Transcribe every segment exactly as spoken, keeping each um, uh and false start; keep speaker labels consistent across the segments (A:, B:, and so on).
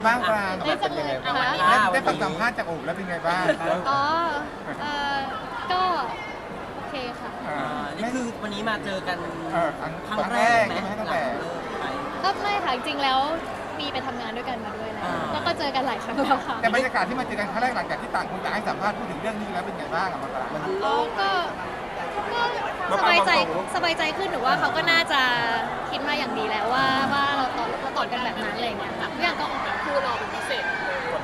A: บ้างปลา
B: ได้สัมภาษณ์
A: ได้ได้ฟังสัมภาษณ์จากโอบแล้วเป็นไงบ้าง
B: อ๋อเอ่อก็โอเคค่ะ
A: อ่า
C: นี่คือวันนี้มาเจอกัน
A: เออครั้ง
C: ครั้งแรกไหม
A: ครั้ง
C: หลัง
A: แรก
C: เลิกไป
B: ก็ไม่ค่ะจริงๆแล้วมีไปทำงานด้วยกันมาด้วยแล้ว
C: อ่า
B: แล้วก็เจอกันหลายครั้งแล้วค่ะ
A: แต่บรรยากาศที่มาเจอกันครั้งแรกหลังจากที่ต่างคนต่างให้สัมภาษณ์พูดถึงเรื่องนี้แล้วเป็นไงบ้างอะมันปลา
B: อ๋อก็ก็สบายใจสบายใจขึ้นหรือว่าเขาก็น่าจะคิดมาอย่างดีแล้วว่าว่าเราตอบเราตอบกันแบบนั้นอะไรอย่างเงี้ยค่ะทุกอย่างก็ออกแบบคู่เราเป็นพิเศษ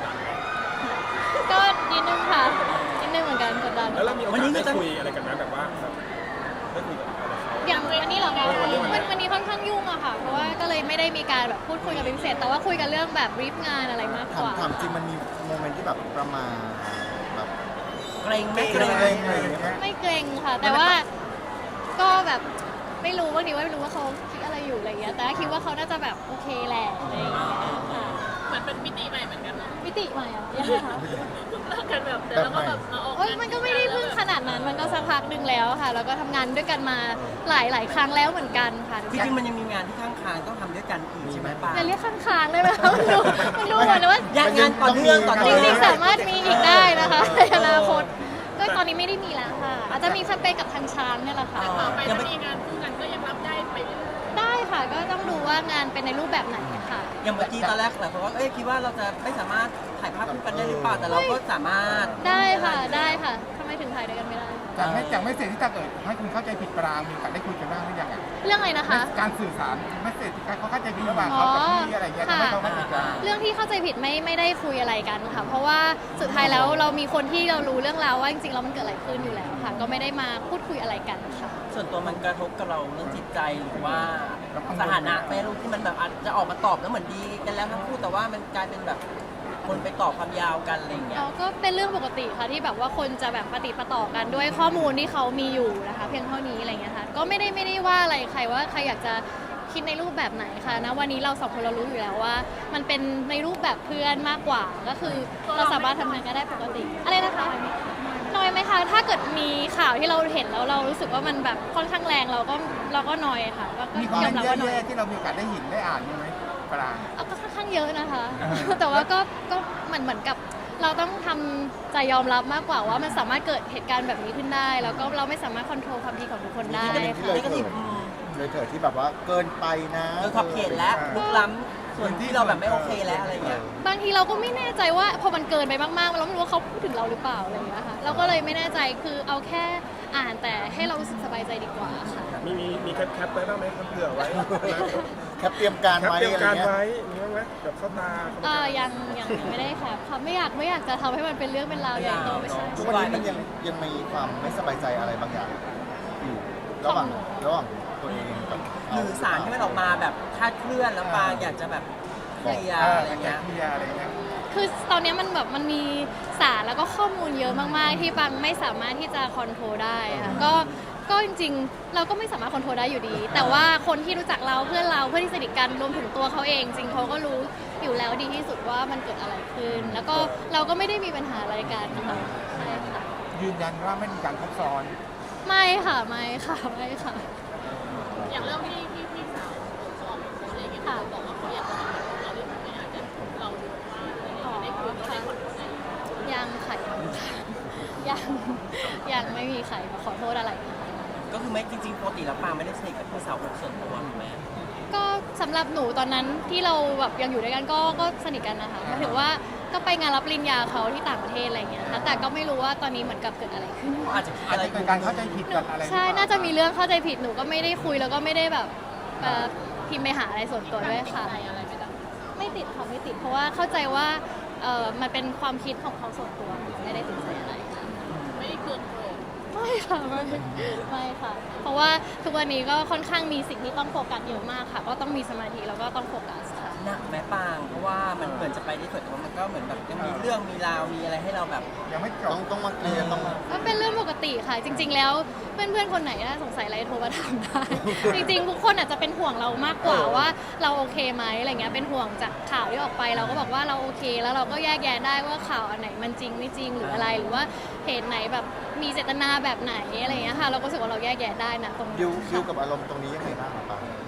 B: ก็นิดนึงค่ะนิดนึงเหมือนกันกดดัน
D: แล้วเรามีโอกาสได้คุยอะไรกันไหมแบบว่าแบบได้คุยกับอะไรเขา
B: อย่างวันนี้เหรอคะวันวันนี้ค่อนข้างยุ่งอะค่ะ เพราะว่าก็เลยไม่ได้มีการแบบพูดคุยกันเป็นพิเศษ แต่ว่าคุยกันเรื่องแบบรีฟงานอะไรมากก
E: ถาม
B: ว่า
E: ถามจริงมันมีโมเมนต์ที่แบบประมาณแบบ
C: เกรงไหม
E: เกรงอะไรอย่างเงี้ย
B: ไม่เกรงค่ะ แต่ว่าก็แบบไม่รู้บางทีว่าไม่รู้ว่าเขาคิดอะไรอยู่อะไรเงี้ย แต่ก็คิดว่าเขาน่าจะแบบโอเคแหละอะไรอย่างเงี้ยค่ะ
F: เหมือนเป็นมิติใหม่เหมือนกันเนาะ
B: มิติใหม่อะยังไงคะ
F: เลิกกันแบบแต่แล้วก็แบบมาออก
B: โอ้ยมันก็ไม่ได้เพิ่งขนาดนั้น มันก็สักพักหนึ่งแล้วค่ะ แล้วก็ทำงานด้วยกันมาหลายหลายๆครั้งแล้วเหมือนกันค่ะ
C: จริงๆมันยังมีงานที่ข้างคางต้องทำด้วยกันอีกใช่ไหมป้า
B: อย่าเรียกข้างๆได้ไหมคะมันดูมันดูเหมือนว่า
C: งานงานต่อเนื่องต่อ
B: จ
C: เนื่อง
B: ริงๆสามารถมีอีกได้นะคะในอนาคตก็ตอนนี้ไม่ได้มีแล้วค่ะ อาจจะมีแคมเปญกับทางช้างเนี่ยแหละค่ะ
F: ต่อไปถ้ามีงานคู่กันก็ยังรับได้ไปเรื่อย
B: ได้ค่ะก็ต้องดูว่างานเป็นในรูปแบบไหนค่ะ
C: อย่างเมื่อกี้ตอนแรกหลายคนว่าเอ้ยคิดว่าเราจะไม่สามารถถ่ายภาพคู่กันได้หรือเปล่าแต่เราก็สามารถ
B: ได้ค่ะได้ค่ะทำไมถึงถ่ายด้วยกันไม่ได้
A: จากไม่จากไม่เสร็จที่ถ้าเกิดให้คุณเข้าใจผิดปลามีโอกาสได้คุยกันบ้างหรือยังอะ
B: เรื่องอะไรนะคะ
A: การสื่อสารไม่เสร็จที่เขาเข้าใจผิดระหว่างเขากับพี่อะไรเงี้ยทำให้เขาเข้าใจกัน
B: เรื่องที่เข้าใจผิดไม่ไม่ได้คุยอะไรกันค่ะ เพราะว่าสุดท้ายแล้วเรามีคนที่เรารู้เรื่องราวว่าจริงๆแล้วมันเกิดอะไรขึ้นอยู่แล้วค่ะ ก็ไม่ได้มาพูดคุยอะไรกันค่ะ
C: ส่วนตัวมันกระทบกับเราเรื่องจิตใจหรือว่าสถานะแม่ลูกที่มันแบบอาจจะออกมาตอบแล้วเหมือนดีกันแล้วทั้งคู่แต่ว่ามันกลายเป็นแบบคนไปตอบความยาวกันอะไรอย่างเงี้ย
B: เราก็เป็นเรื่องปกติค่ะที่แบบว่าคนจะแบบปฏิปต่อกันด้วยข้อมูลที่เขามีอยู่นะคะ เพียงเท่านี้อะไรเงี้ยค่ะก็ไม่ได้ไม่ได้ว่าอะไรใครว่าใครอยากจะคิดในรูปแบบไหนค่ะนะวันนี้เราสองคนเรารู้อยู่แล้วว่า มันเป็นในรูปแบบเพื่อนมากกว่าก็คือเราสามารถทำงานกันได้ปกติอะไรนะคะน้อยไหมคะถ้าเกิดมีข่าวที่เราเห็นแล้วเรารู้สึกว่ามันแบบค่อนข้างแรงเราก็เราก็น้อยค่ะก็ก็
A: มีคอม
B: ย
A: เม
B: อน ม
A: ต์
B: รับว่าน้อย
A: แย่ๆที่เรามีโอกาสได้เห็นได้อ่านไหมปลา
B: เอาก็ค่อนข้างเยอะนะคะ
A: อ่า
B: แต่ว่าก็ก็เหมือนเหมือนกับเราต้องทำใจยอมรับมากกว่าว่ามันสามารถเกิดเหตุการณ์แบบนี้ขึ้นได้ แล้วก็เราไม่สามารถควบคุมความคิดของทุกคนได้
E: ที่
B: ค่ะ
E: เลยเถิดเลยเถิดที่แบบว่าเกินไปนะ
C: เออขอบเขตแล้วลุกล้ำส่วนที่เราแบบไม่โอเคแล้วอะไรเงี้ย
B: บางทีเราก็ไม่แน่ใจว่าพอมันเกินไปมากๆเราไม่รู้ว่าเขาพูดถึงเราหรือเปล่าอะไรอย่างเงี้ยค่ะเราก็เลยไม่แน่ใจคือเอาแค่อ่านแต่ให้เรารู้สึกสบายใจดีกว่าค่ะ
D: มีมีมีแคปแคปไว้บ้างไหมครับเผื่อไว้
E: แคปเตรียมการ
D: แคป
E: ไว้
D: เตรียม
E: อะไร
D: การ
E: เงี้ย
D: ไว้มีบ้างไหมแบบเข้าตาเข้า
B: เอ
D: ตา
B: อยังยังยังไม่ได้ค่ะค่ะไม่อยากไม่อยากจะทำให้มันเป็นเรื่องเป็นราวใหญ่โตไม่ใช่
E: ทุกวันนี้มันยังยังมีความไม่สบายใจอะไรบางอย่างอยู่ระหว่างระหว่างตัวเองกับ
C: หรือสารที่มันออกมาแบบคลาดเคลื่อนแล้วปางอยากจะแบบเคลียร์
A: เออ
C: อะไร
A: อยากจะ
C: เงี้ย
A: เคลียร์อะไรเงี้ย
B: คือตอนนี้มันแบบมันมีสารแล้วก็ข้อมูลเยอะมากๆ ที่บางไม่สามารถที่จะคอนโทรลได้ค่ะก็ก็จริงๆ เราก็ไม่สามารถคอนโทรลได้อยู่ดี แต่ว่าคนที่รู้จักเราเพื่อนเราเพื่อนที่สนิทกันรวมถึงตัวเขาเอง จริงเขาก็รู้อยู่แล้วดีที่สุดว่ามันเกิดอะไรขึ้น แล้วก็เราก็ไม่ได้มีปัญหาอะไรกันนะคะใช่ค่ะ
A: ยืนยันว่าไม่มีการทับซ้อน
B: ไม่ค่ะไม่ค่ะไม่ค่ะ
F: ๆอย่างเรื่องที่พี่พี่สาวเขาออกมาโพสต์อะไรอย่างเงี้ย
B: ค่ะ
F: เขาบอกว่าเขาอยากจะทำเราเรื่องไม่อยากจะเราดูว่าอะไรอย่างเงี้ยได้คุยได้ขอโทษอะไรอย่างเงี้ย
B: ยังค่ะยังยังไม่มีใครมาขอโทษอะไร
C: ก็คือไม่จริงๆปกติแล้วปางไม่ได้สนิทกับพี่สาวคนส่วนตัวถูกไหม
B: ก็สำหรับหนูตอนนั้นที่เราแบบยังอยู่ด้วยกันก็ก็สนิทกันนะคะหมายถึงว่าก็ไปงานรับปริญญาเขาที่ต่างประเทศอะไรอย่างเงี้ยค่ะแต่ก็ไม่รู้ว่าตอนนี้เหมือนกับเกิดอะไรขึ้น
C: อาจจะคิด
A: อาจ
C: อะไร
A: จะเป็นการเข้าใจผิดกันอะไร
B: ใช่น่าจะมีเรื่องเข้าใจผิดหนูก็ไม่ได้คุยแล้วก็ไม่ได้แบบเอ่อพิมพ์ไปหาอะไรส่วนตัวด้วยค่ะ
F: อะไรไม่ได้
B: ไม่ติดค่ะไม่ติดเพราะว่าเข้าใจว่าเออมันเป็นความคิดของเขาส่วนตัวไม่ได้ติดใจอะไรค่ะ
F: ไม่ได้เคืองโกรธ
B: ไม่ค่ะไม่ไม่ค่ะ เพราะว่าทุกวันนี้ก็ค่อนข้างมีสิ่งที่ต้องโฟกัสเยอะมากค่ะ ก็ต้องมีสมาธิแล้วก็ต้องโฟกัสค่ะ
C: หนักไหมปางเพราะว่ามันเหมือนจะไปได้สวยแต่ว่ามันก็เหมือนแบบยังมีเรื่องมีราวมีอะไรให้เราแบบ
A: ยังไม่จ
E: ต้อบ งต้องมาเคลียร์ต้อง
B: ก็เป็นเรื่องปกติค่ะ จริง ๆ แล้วเพื่อนๆคนไหนถ้าสงสัยอะไรโทรมาถามได้ จริงๆทุกคนอาจจะเป็นห่วงเรามากกว่าว่าเราโอเคไหมอะไรเงี้ยเป็นห่วงจากข่าวที่ออกไปเราก็บอกว่าเราโอเค แล้วเราก็แยกแยะได้ว่าข่าวอันไหนมันจริงไม่จริงหรืออะไรหรือว่าเหตุไหนแบบมีเจตนาแบบไหนอะไรเงี้ยค่ะเราก็รู้สึกว่าเราแยกแยะได้นะตรงนี้
E: ดิวดิว
B: ค่ะ
E: กับอารมณ์ตรงนี้ยังไงบ้างครับป้า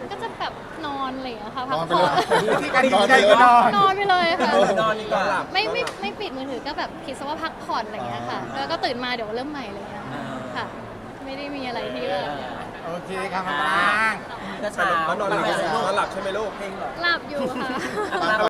B: ก็จะแบบนอนอะไรอย่างเงี้ยค่ะพั
E: น
B: ก
E: อนไป
B: ผ่
E: เล
B: อย น
A: ที่การดีใจก็นอน
B: นอนไปเลยค่ะ
C: นอนดีกว่า
B: ไม่ไม่ไม่ปิดมือถือก็แบบคิดซะว่าพักผ่อนอะไรอย่างเงี้ยค่ะแล้วก็ตื่นมาเดี๋ยวเริ่มใหม่อะไรอย่างเงี้ยค่ะ ไม่ได้มีอะไรที่ว่า
A: โอเคครับมาปราง
C: ก็เช้า
D: แล้วนอนหลับนอนหลับใช่ไหมลูก
B: หลับอยู่ค่ะ
C: อาบน้ำ